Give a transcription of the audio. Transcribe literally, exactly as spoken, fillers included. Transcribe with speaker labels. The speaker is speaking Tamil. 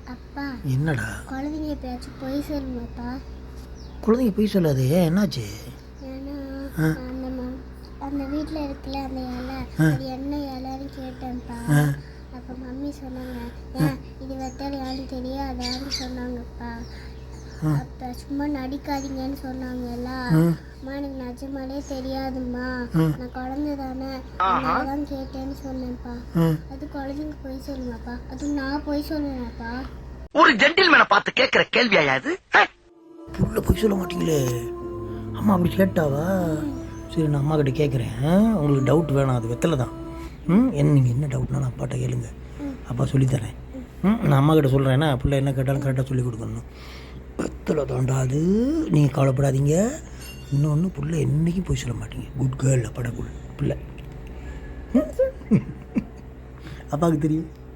Speaker 1: அப்பா
Speaker 2: என்னடா
Speaker 1: குழந்தைங்க எப்பயாச்சும் பொய் சொல்லுமாப்பா?
Speaker 2: குழந்தைங்க பொய் சொல்லாது, என்னாச்சு?
Speaker 1: ஏன்னா அந்த ம- அந்த வீட்டில் இருக்குல்ல அந்த இலை, அது என்ன இலைன்னு கேட்டேன்ப்பா. அப்போ மம்மி சொன்னாங்க, ஏன் இது வெத்தலை யான்னு தெரியாதான்னு சொன்னாங்கப்பா. அப்போ சும்மா நடிக்காதீங்கன்னு சொன்னாங்கல்ல. அம்மா எனக்கு நிஜமாலே தெரியாதும்மா, நான் குழந்தை தானே, அதனால தான் கேட்டேன்னு சொன்னேன்ப்பா. அது குழந்தைங்க பொய் சொல்லுமாப்பா? அதுவும் நான் பொய் சொல்லுவேன்ப்பா?
Speaker 3: ஒரு ஜென்டில்மேனை பார்த்து கேட்கிற கேள்வியா இது?
Speaker 2: புள்ள பொய் சொல்ல மாட்டீங்களே. அம்மா அப்படி கேட்டாவா? சரி, நான் அம்மா கிட்ட கேட்குறேன். உங்களுக்கு டவுட் வேணாம், அது வெத்தலை தான். ம் என்ன நீங்கள் என்ன டவுட்னாலும் அப்பாட்ட கேளுங்க, அப்பா சொல்லித்தரேன். ம் நான் அம்மா கிட்ட சொல்கிறேன், ஏன்னா பிள்ளை என்ன கேட்டாலும் கரெக்டாக சொல்லி கொடுக்கணும். வெத்தலை தாண்டா அது, நீங்கள் கவலைப்படாதீங்க. இன்னொன்று, பிள்ளை என்றைக்கும் போய் சொல்ல மாட்டீங்க. குட் கேர்ள், படக்குள் பிள்ளை. அப்பாவுக்கு தெரியும்.